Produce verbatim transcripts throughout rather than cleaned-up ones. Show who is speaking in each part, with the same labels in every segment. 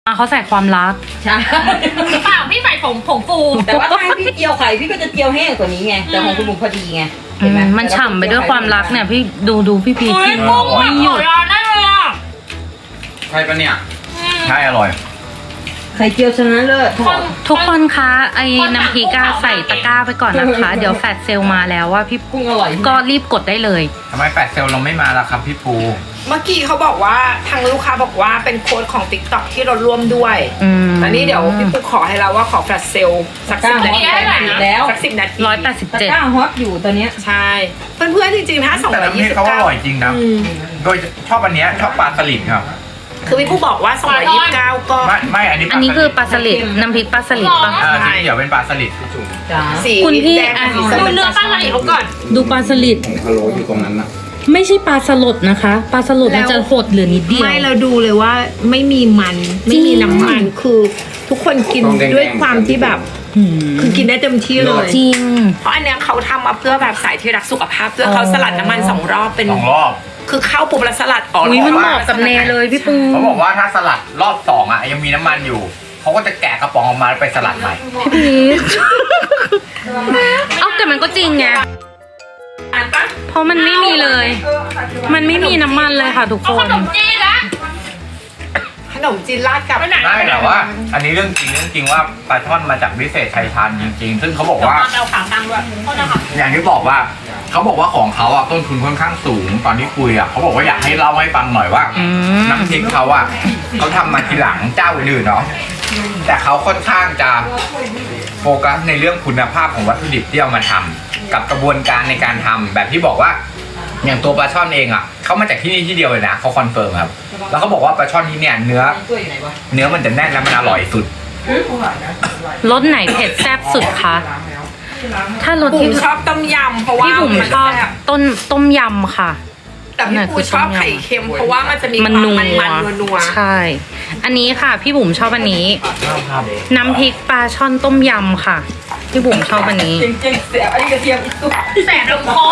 Speaker 1: เขาใส่ความรัก
Speaker 2: ใช่
Speaker 3: เปล่าพี่ใส่ผงผงฟู
Speaker 2: แต่ว่าถ้าให้พี่เจียวไข่พี่ก็จะเจียวแห้งกว่านี้ไงแต่ของคุณบุ๋มพอดีไงเห็นไหม
Speaker 1: มันฉ่ำไปด้วยความรักเนี่ยพี่ดูดูพี่พีกิน
Speaker 3: ไม่หยุดได้เลยอ่ะ
Speaker 4: ใช่ปะเนี่ยใช่อร่อย
Speaker 2: ไข่เจียวชนะเลิศ
Speaker 1: ทุกคนคะไอ้น้ำพริกอะใส่ตะกร้าไปก่อนนะคะ เดี๋ยวแฟดเซลมาแล้วว่าพี่
Speaker 2: กุ้งอร่อย
Speaker 1: ก็รีบกดได้เลย
Speaker 4: ทำไมแฟดเซลเราไม่มาล่ะครับพี่ปู
Speaker 5: เมื่อกี้เขาบอกว่าทางลูกค้าบอกว่าเป็นโค้ดของ ติ๊กต็อก ที่เราร่วมด้วย
Speaker 1: อืม
Speaker 5: อันนี้เดี๋ยวพี่ปุ๊กขอให้เราว่าขอแฟลชเซลสักสิบนาที
Speaker 2: แล้ว
Speaker 5: สักสิบนาที
Speaker 1: ร้อยแปดสิบ
Speaker 2: ตะ
Speaker 1: เจ็ด
Speaker 2: กร้าฮอตอยู่ตอนเนี้ย
Speaker 5: ใช่ เพื่อนๆจริงๆถ้าสอง
Speaker 4: แต่
Speaker 5: ร้อย
Speaker 4: น้ำพ
Speaker 5: ยี่
Speaker 4: ริก
Speaker 5: สิบ
Speaker 4: เขาอ
Speaker 5: เก้า
Speaker 4: ร่อยจริงนะโดยชอบอันเนี้ยชอบปลาสลิดครับ
Speaker 5: คือพี่ปุ๊กบอกว่าสองร้อยยี่สิบเก้าก็
Speaker 4: ไม่ไม่อันนี้
Speaker 1: อันนี้คือปลาสลิดน้ำพริกปลาสลิดปะ
Speaker 4: อ่าที่เดี๋ยวเป็นปลาสลิด
Speaker 2: จ้า
Speaker 5: สี
Speaker 1: คุณพี่
Speaker 5: แดง
Speaker 1: อ่ะ
Speaker 5: สีส้ม
Speaker 3: ดูเนื้อปลาไหลเขาก่อน
Speaker 1: ดูปลาสลิด
Speaker 4: พะโล้อยู่ตรงนั้นนะ
Speaker 1: ไม่ใช่ปลาสลดนะคะปลาสลดมันจะหดเหลือนิดเดียว
Speaker 5: ไม่เราดูเลยว่าไม่มีมันไม่มีน้ำมันคือทุกคนกินด้วยความที่แบบ
Speaker 1: หืม
Speaker 5: คือกินได้เต็มที่เลย
Speaker 1: จริง
Speaker 5: เพราะอันเนี้ยเขาทำมาเพื่อแบบสายที่รักสุขภาพเพื่อเขาสลัดน้ำมันสองรอบเป็น
Speaker 4: สองรอบ
Speaker 5: คือเข้าปุ๊บแล้วสลัดออก
Speaker 1: อุ้ยมันเหมาะกับเนเลยพี่ปู
Speaker 4: เขาบอกว่าถ้าสลัดรอบสองอ่ะยังมีน้ำมันอยู่เขาก็จะแกะกระป๋องออกมาแล้วไปสลัดใหม่
Speaker 1: พีชเอาแต่มันก็จริงไง
Speaker 5: อ่านปะ
Speaker 1: เพราะมันไม่มีเลย มันไม่มีน้ำมันเลยค่ะทุก
Speaker 3: เอา
Speaker 1: ค
Speaker 3: ข
Speaker 1: น
Speaker 3: นมจีนละ
Speaker 5: ขนมจีนราดกับ
Speaker 3: ไปไหน
Speaker 4: ได้แต่ว่า อันนี้เรื่องจริงเรื่องจริงว่าปลาช่อนมาจากวิเศษชัยชาญจริง ๆ ซึ่งเขาบอกว่า
Speaker 3: ตามเราขาตั้งด้วยเขาจะขับ
Speaker 4: อย่างที่บอกว่าเขาบอกว่าของเขาอ่ะต้นทุนค่อนข้างสูงตอนที่คุยอ่ะเขาบอกว่าอยากให้เล่าให้ฟังหน่อยว่า
Speaker 1: อืม
Speaker 4: น้ำพริกเขาอ่ะเขาทำมาทีหลังเจ้าอื่นๆเนาะแต่เขาค่อนข้างจะโฟกัสในเรื่องคุณภาพของวัตถุดิบที่เอามาทำกับกระบวนการในการทำแบบที่บอกว่า อย่างตัวปลาช่อนเองอ่ะเขามาจากที่นี่ที่เดียวเลยนะเขาคอนเฟิร์มครับแล้วเขาบอกว่าปลาช่อนที่เนี่ยเนื้อเนื้อมันจะแน่นและมันอร่อยสุด
Speaker 1: รสไหนเผ็ดแซ่บสุดคะ ถ้ารส
Speaker 5: บุ๋
Speaker 1: ที่
Speaker 5: มชอบต้มยำเพราะว่า
Speaker 1: พี่บุ๋ม
Speaker 5: มัน
Speaker 1: ชอบ
Speaker 5: แซ่บ
Speaker 1: ต้นต้มยำค่ะ
Speaker 5: แต่พี่ปูชอบไข่เค็มเพราะว่ามันจะมีค
Speaker 1: มั
Speaker 5: วาน ม
Speaker 1: นัว
Speaker 5: มันๆนัว
Speaker 1: ใช่ อันนี้ค่ะ พี่บุ๋มชอบอันนี้ น้ำพริกปลาช่อนต้มยำค่ะ พี่บุ๋มชอบอันนี้
Speaker 2: จริงๆเสียอันนี้กระเทียมอีกตัว
Speaker 3: แสบลงคอ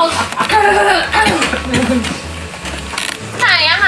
Speaker 3: ไหนอะคะ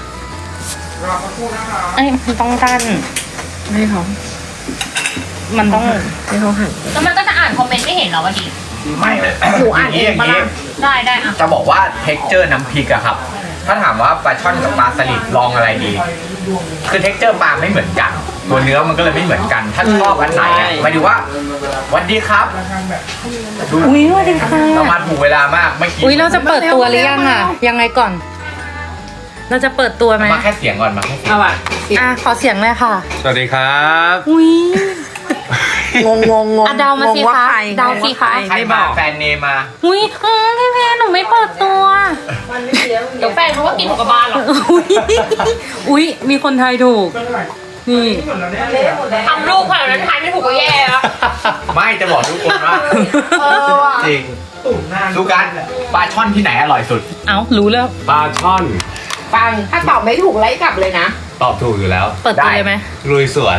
Speaker 1: เอ้ยมันต้องกั้น
Speaker 5: ไม่เขา
Speaker 1: มันต้อง
Speaker 5: ไม่เขาหั่น
Speaker 3: แล้วมันก็จะอ่านคอมเมนต์ไม่เห็นเหรอวะดิ
Speaker 4: ไม่เลย
Speaker 5: หนูอ่านเอง
Speaker 4: ย่าง
Speaker 5: ปะล่ะ
Speaker 3: ได้ได้อะ
Speaker 4: จะบอกว่าเท็กเจอร์น้ำพริกอะครับ ถ้าถามว่าปลาช่อนกับปลาสลิดลองอะไรดี คือเท็กเจอร์ปลาไม่เหมือนกัน ตัวเนื้อมันก็เลยไม่เหมือนกัน ถ้าชอบอันไหนอะหมายถึงว่าสวัสดีครับดู
Speaker 1: อุ้ยสวัสดีค่ะ
Speaker 4: เรามาถูกเวลามากไม่อกี้
Speaker 1: อุ้ยเราจะเปิดตัวหรือยังอ่ะ ยังไงก่อน เราจะเปิดตัวไหม
Speaker 4: มาแค่เสียงก่อนมาแค่เสียง
Speaker 5: เอาอ่ะ
Speaker 1: อ่ะขอเสียงเลยค่ะ
Speaker 6: สวัสดีครับ
Speaker 1: อุ้ย
Speaker 5: งงงงง
Speaker 1: อ่ะเดามาสิ
Speaker 5: งงว่
Speaker 1: คะ
Speaker 5: ใร
Speaker 1: เดาสิคะ
Speaker 4: ใครมาแฟนเนมา
Speaker 1: อุ้ยอืมพี่เพนหนูไม่เปิดตัว
Speaker 3: เดี๋ยวแฟนเขาก็กินหมูกระบาลหรอก
Speaker 1: อุ้ยอุ้ยมีคนไทยถูก นี่
Speaker 3: ทำรูปขนาดนั้นทายไม่ถูกก็แย่แล้ว
Speaker 4: ไม่จะบอกทุกคนว่า
Speaker 3: เออว่ะ
Speaker 4: จริงดูกันปลาช่อนที่ไหนอร่อยสุด
Speaker 1: เอ้ารู้แล้ว
Speaker 6: ปลาช่อน
Speaker 5: ปังถ้าตอบไม่ถูกไล่กลับเลยนะ
Speaker 6: ตอบถูกอยู่แล้ว
Speaker 1: เปิดตัวเลยไหม
Speaker 6: ลุยสวน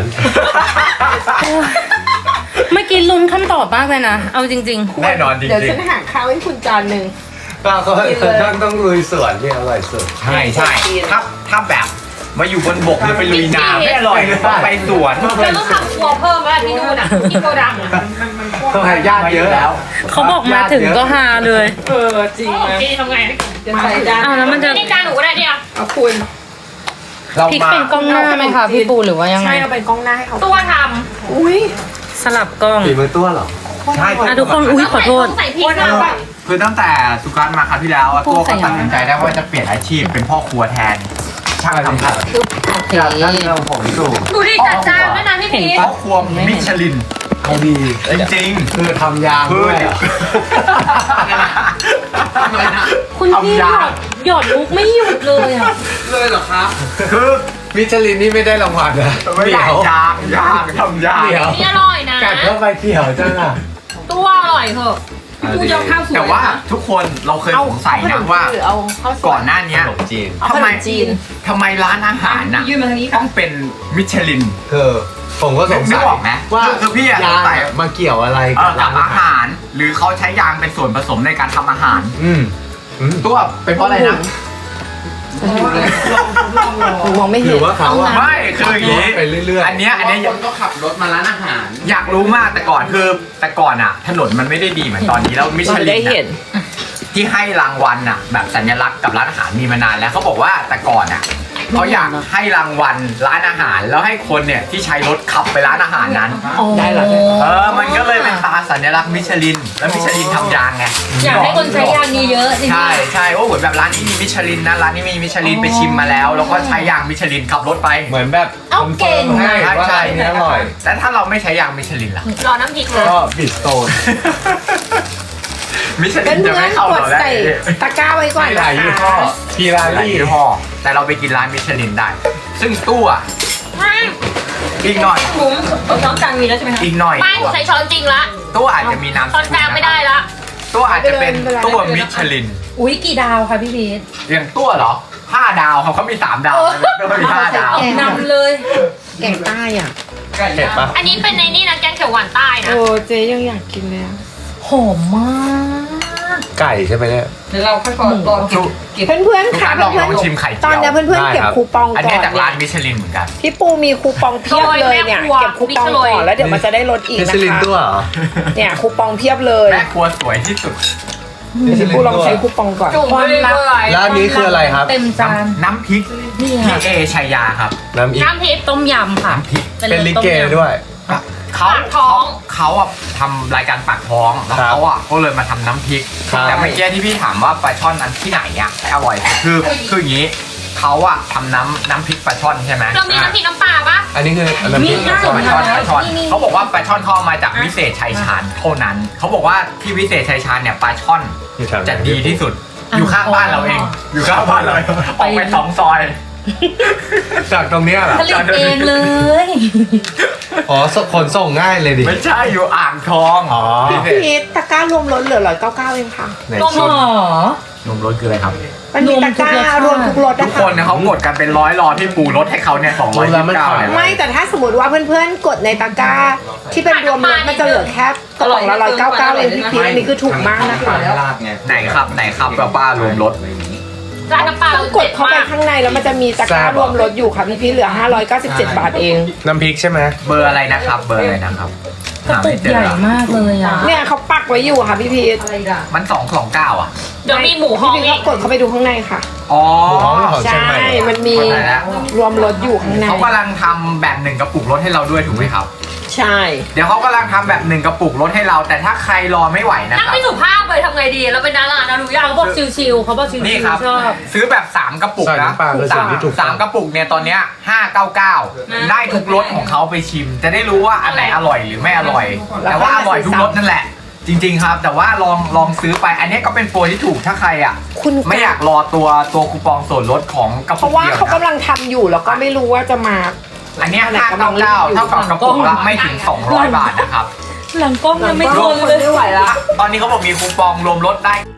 Speaker 1: เมื่อกี้ลุ้นคำตอบมากเลยนะ เอาจริง
Speaker 4: แน่นอนจริง
Speaker 5: เดี๋ยว
Speaker 4: ๆ
Speaker 5: ฉันหาข้าวให้คุณจานหนึ่ง
Speaker 6: ก็เขาต้องต้องลุยสวนที่อร่อยสุด
Speaker 4: ใช่ใช่ถ้าถ้าแบบมาอยู่บนบกหรือไปลุยน้ำไม่อร่อยเลยต้องไปสวน
Speaker 3: เราต้องทำครัวเพิ่มแล้วที่นู่นอ่ะที่โกดังอ่ะ
Speaker 6: ต้องให้ญาติเยอะแล้ว
Speaker 1: ๆ เขาบอกมาถึงก็ฮาเลย
Speaker 5: เออจริง
Speaker 3: โอ
Speaker 5: นะ
Speaker 3: เคทำไง
Speaker 5: จะใส่จาน
Speaker 1: เอาแล้วมันจะ
Speaker 3: นี่จานหนูก็ได้เดียว
Speaker 5: เอาคุณ
Speaker 4: เรา
Speaker 1: พลิก
Speaker 4: มา
Speaker 1: เป็นกล้องหน้าไหมคะพี่ปูหรือว่ายังไง
Speaker 5: ใช่เอาเป็นกล้องหน้าให้เขา
Speaker 3: ตัวท
Speaker 5: อุ้ย
Speaker 1: สลับกล้อง
Speaker 6: ฝีมือตัวเหรอ
Speaker 4: ใช่
Speaker 1: อ่ะทุกคน
Speaker 3: ำ
Speaker 1: อุ้ยขอโทษ
Speaker 3: ใส่พริกนะ
Speaker 4: คือตั้งแต่สุการมาคราวที่แล้วอะตัวก็ตัดสินใจได้ว่าจะเปลี่ยนอาชีพเป็นพ่อครัวแทนช่างทำผัด
Speaker 1: โอเค
Speaker 6: อยากนั่งเราผมสูง
Speaker 3: ดูดิจัดจานด้วยนะพี่พีช
Speaker 4: พ่อครัวมิชลิน
Speaker 6: เขาดี
Speaker 4: จริง
Speaker 6: คือทำยาง
Speaker 4: ๆคือ
Speaker 6: ด้วยเหรอ
Speaker 1: คุณพี่หยอดหยอดมุกไม่หยุดเลยอ่ะ
Speaker 6: เลยเหรอครับ
Speaker 4: คือ
Speaker 6: มิชลินนี่ไม่ได้รางวัลนะ
Speaker 4: ไม่
Speaker 6: เดี๋
Speaker 4: ได้
Speaker 6: ยวย
Speaker 4: างยางทำยาง
Speaker 6: เดี๋ยว
Speaker 3: นี่อร่อยนะ
Speaker 6: กัดเข้าไปเขียวจังอ่ะ
Speaker 3: ตัวอร่อยเหอะ
Speaker 5: กูยอมข้าวสวย
Speaker 4: แต่ว่าทุกคนเราเคยสงสัยนะว่า
Speaker 5: หรือเอาข้าวสวย
Speaker 4: ก่อนหน้านี้
Speaker 6: ขนมจีน
Speaker 5: เอาข
Speaker 4: ทำ
Speaker 5: น
Speaker 4: ไม
Speaker 5: มจีน
Speaker 4: ทำไมร้านอาหารน่ะ
Speaker 2: ยื่นมาทางนี้ค่ะ
Speaker 4: ต้องเป็นมิชลิน
Speaker 6: คือผมก็สง
Speaker 4: นึ
Speaker 6: สั
Speaker 4: ก
Speaker 6: ย
Speaker 4: ออกไหม
Speaker 6: ว่า
Speaker 4: คือคือพี่อะ
Speaker 6: ยาง
Speaker 4: สงสัย
Speaker 6: อะมาเกี่ยวอะไร
Speaker 4: เอ่
Speaker 6: กั
Speaker 4: อบ กับ
Speaker 6: ร้าน
Speaker 4: อา
Speaker 6: อาหาร
Speaker 4: หาร หรือเขาใช้ยางเป็นส่วนผสมในการทำอาหาร
Speaker 6: อืมอืม
Speaker 4: ตัวเป็นเพราะอะไรนะ
Speaker 5: มองไม่
Speaker 6: ห
Speaker 5: เห็
Speaker 6: รื
Speaker 5: น
Speaker 6: อว่าเขาอะ
Speaker 4: ไม่คืออย่างนี้
Speaker 6: ไปเรื่อยๆ
Speaker 4: อันเนี้ยอันเนี้ย
Speaker 7: คนก็ขับรถมาร้านอาหาร
Speaker 4: อยากรู้มากแต่ก่อนคือแต่ก่อนอ่ะ ถนนมันไม่ได้ดีเหมือนตอนนี้แล้วมิช
Speaker 5: เรา
Speaker 4: ลิ
Speaker 5: ได้
Speaker 4: น
Speaker 5: เห็น
Speaker 4: อะที่ให้รางวัลอ่ะ แบบสัญลักษณ์กับร้านอาหารมีมานานแล้วเขาบอกว่าแต่ก่อนอ่ะเขาอยากให้รางวัลร้านอาหาร แล้วให้คนเนี่ยที่ใช้รถขับไปร้านอาหารนั้น
Speaker 5: ได้เหรอ
Speaker 4: เออมันก็เลยเป็นตราสัญลักษณ์มิชลิน แล้วมิชลินทำยางไง
Speaker 2: อยากให้คนใช้ยางเยอะๆจริงๆ
Speaker 4: ใช่ใช่โอ้เหมือนแบบร้านนี้มีมิชลินนะร้านนี้มีมิชลินไปชิมมาแล้ว แล้วก็ใช้ยางมิชลินขับรถไป
Speaker 6: เหมือนแบบ
Speaker 2: เอาเก่ง
Speaker 6: คอนฟิร์มให้ว่า
Speaker 4: ใช่
Speaker 6: ร้านนี้อร่อย
Speaker 4: แต่ถ้าเราไม่ใช้ยางมิชลินล่ะ
Speaker 3: รอน้ำพริกเลย
Speaker 6: ก็บิดโซน
Speaker 4: มิชลิ
Speaker 5: เพื่
Speaker 4: นจะไม่
Speaker 5: อน
Speaker 4: เข้า
Speaker 5: ๆก
Speaker 4: เรา
Speaker 5: ด
Speaker 4: แล้ว
Speaker 5: ใส่ตะกร้าไว้ก่อน
Speaker 6: หลายยี่ห้อพีรา
Speaker 4: หลาย
Speaker 6: ลี่
Speaker 4: ยี่ห้อแต่เราไปกินร้านมิชลินได้ ซึ่งตู้อ่ะอีกหน่อย
Speaker 2: หมูน้องจังมีแล้วใช่ไหมคะ
Speaker 4: อีกหน่อย
Speaker 3: ไม่หนูใช้ช้อนจริงละ
Speaker 4: ตู้อาจจะมีน้ำ
Speaker 3: ช้อนกลางไม่ได้ละ
Speaker 4: ตู้อาจจะเป็นตู้มิชลิน
Speaker 2: อุ้ยกี่ดาวคะพี่พีท
Speaker 4: อย่างตู้เหรอห้าดาวเขาเขามีสามดาวตู้มีห้าดาว
Speaker 2: นำเลย
Speaker 5: แกงใต้อ่ะ
Speaker 6: เห็นปะ
Speaker 3: อันนี้เป็นในนี่นะแกงเขียวหวานใต้นะ
Speaker 5: โอ้เจ๊ยังอยากกินเลยอะ
Speaker 2: หอมมาก
Speaker 6: ไก่ใช่ไหมเนี่ย
Speaker 2: เดี๋ยวเราค่อยๆรอเก็บเก็บ
Speaker 5: เพื่อนๆค่ะ
Speaker 4: ลอง
Speaker 5: เพื่
Speaker 4: ล
Speaker 5: อ
Speaker 4: อน งชิมไข่
Speaker 5: ๆต
Speaker 4: เจี
Speaker 5: อน
Speaker 4: ยว
Speaker 5: เนี้ยเพื่อนๆเก็บคูปอง
Speaker 4: อัน
Speaker 5: ก่
Speaker 4: นี้
Speaker 5: อน
Speaker 4: จากร้านมิชลินเหมือนกัน
Speaker 5: พี่ปูมีคูปองเพียบเลยเนี่ยเก็บคูปองก่อนแล้วเดี๋ยวมันจะได้ลดอีก
Speaker 6: มิ
Speaker 5: นะ
Speaker 6: ชลิน
Speaker 5: คะ
Speaker 6: ตัวเหรอ
Speaker 5: เนี่ยคูปองเพียบเลย
Speaker 4: แม่ครัวสวยที่สุด
Speaker 6: มิชลิน
Speaker 5: ปูล
Speaker 6: ตั
Speaker 5: อง
Speaker 6: ว
Speaker 5: ใช้คูปองก่อน
Speaker 3: จุ่มไม่ได้เลย
Speaker 6: ร้านนี้คืออะไรครับ
Speaker 2: เต็มจาน
Speaker 4: น้ำพริก
Speaker 2: นี่
Speaker 4: พี่
Speaker 2: ค่ะ
Speaker 4: เอชัยยาครับ
Speaker 6: น้ำอีก
Speaker 3: น้ำพริก
Speaker 1: ต้มยำค่ะ
Speaker 4: น้ำพริก
Speaker 6: เป็นลิเกด้วย
Speaker 4: เขา
Speaker 3: ปากท้อง
Speaker 4: เขาอ่ะทำรายการปากท้องแล้ว
Speaker 6: ครับ
Speaker 4: เขาอ่ะก็เลยมาทำน้ำพริก
Speaker 6: ครับ
Speaker 4: แต่เมื่อกี้ที่พี่ถามว่าปลาช่อนนั้นที่ไหนอ่ะอร่อยคือคืออย่างนี้เขาอ่ะทำน้ำน้ำพริกปลาช่อนใช่ไหม
Speaker 3: เรามีน้ำพริกน้ำปลาปะ
Speaker 6: อันนี้คือน้ำพริก
Speaker 2: มี
Speaker 6: ปลาช่อน
Speaker 4: ปลาช่อนปลาช่อนเขาบอกว่าปลาช่อนเข้ามาจากวิเศษชัยชาญเท่านั้นเขาบอกว่าที่วิเศษชัยชาญเนี่ยปลาช่อน
Speaker 6: อยู่แถวไหน
Speaker 4: จะดีที่สุด อยู่ข้างบ้านเราเอง อยู่ข้างบ้านเราออกไปสองซอย
Speaker 6: จากตรงเนี้ยเหรอ
Speaker 2: ผลิตเองเลย
Speaker 6: อ๋อขนส่งง่ายเลยดิ
Speaker 4: ไม่ใช่อยู่อ่างทอง
Speaker 6: อ๋อ
Speaker 4: พิเศษ
Speaker 5: พี่ตะกร้ารวมลดเหลือร้อยเก้าเก้าเองค่ะ
Speaker 6: ไหน
Speaker 2: นม
Speaker 6: ชิม
Speaker 2: หรอน
Speaker 4: มรสคืออะไรครับ
Speaker 5: มันมีตะกร้ารวมทุกรส
Speaker 4: ทุ
Speaker 5: นะ
Speaker 4: ก
Speaker 5: คะ
Speaker 4: คนเนี่ยเขากดกันเป็นร้อยรอที่ปูรถให้เขาเนี่ยสองร้อยยี่สิบเก้าเนี่ย
Speaker 5: ไม่แต่ถ้าสมมติว่าเพื่อนๆกดในตะกร้า ที่เป็นรวมรสมันจะเหลือแค่กระป๋องละร้อยเก้าเก้าเองพี่พีชอันนี้คือถูกมากนะคะ
Speaker 4: ไหนครับไหนครับป้าป้ารวมรถ
Speaker 3: ร้านน้ำปลา
Speaker 5: ต้องกดเข้าไปข้างในแล้วมันจะมีตะกร้ารวมรสอยู่ค่ะพี่พีชเหลือห้าร้อยเก้าสิบเจ็ดบาทเอง
Speaker 6: น้ำพริกใช่ไหม
Speaker 4: เบอร์อะไรนะครับ เบอร์อะไรนะครับ
Speaker 2: กระ
Speaker 4: หา
Speaker 2: ปุ
Speaker 4: ไม่
Speaker 2: ก
Speaker 4: เจ
Speaker 2: ให
Speaker 4: อ
Speaker 2: ญ่มากเลยอ่ะ
Speaker 5: เนี่ยเขาปักไว้อยู่ค่ะพี่พีช
Speaker 4: มันสองสองเก้าอ่ะ
Speaker 3: เดี๋ยวมีหมูฮ้
Speaker 5: พี่
Speaker 3: อง
Speaker 5: พีช
Speaker 3: อี
Speaker 5: ก็
Speaker 3: ก
Speaker 5: กดเข้าไปดูข้างในค่ะ
Speaker 4: อ๋อ
Speaker 6: หมูฮ้องของเชียง
Speaker 5: ใช่
Speaker 6: ใหม่
Speaker 5: มันมี
Speaker 4: เข้าใจแล้ว
Speaker 5: รวมรสอยู่ข้างใน
Speaker 4: เขากำลังทำแบบหนึ่งกระปุกรถให้เราด้วยถูกไหมครับ
Speaker 5: ใช่
Speaker 4: เดี๋ยวเขากำลังทำแบบหนึ่งกระปุกรถให้เรา แต่ถ้าใครรอไม่ไหวนะ
Speaker 3: นั่ง
Speaker 4: ครับ
Speaker 3: ไม่สุภาพเลยทำไงดีเราเป็นดารานะรู้ยัง
Speaker 2: เขาบอกชิวๆเขาบอกชิว
Speaker 4: นี่ครับ
Speaker 2: ๆชอบ
Speaker 4: ซื้อแบบสามกระปุก
Speaker 6: ใส่
Speaker 4: นะ
Speaker 6: น้ำปลาคือสิ่งที่ถูก
Speaker 4: สามกระปุกเนี่ยตอนเนี้ยห้าเก้าเก้าได้ทุกรสของเขาไปชิม จะได้รู้ว่าอันไหนอร่อยหรือไม่อร่อย แต่ว่าอร่อยทุกรสนั่นแหละ จริง ๆ ครับ แต่ว่าลองลองซื้อไป อันนี้ก็เป็นโปรที่ถูกถ้าใครอ่ะ
Speaker 5: คุณ
Speaker 4: ไม่อยากรอตัวตัวคูปองส่วนลดของกระ
Speaker 5: เพ
Speaker 4: ปุก
Speaker 5: ราะว่า
Speaker 4: เดียว
Speaker 5: เขา
Speaker 4: นะ
Speaker 5: กำลังทำอยู่แล้วก็ไม่รู้ว่าจะมา
Speaker 4: อันเนี้ยห้าเก้าเก้าเท่ากับกระปุกละไม่ถึงสองร้อยบาทนะครับ
Speaker 2: หลังกล้องยังไม่ทนเลย
Speaker 5: ไม่ไหวละ
Speaker 4: ตอนนี้เขาบอกมีคูปองรวมลดได้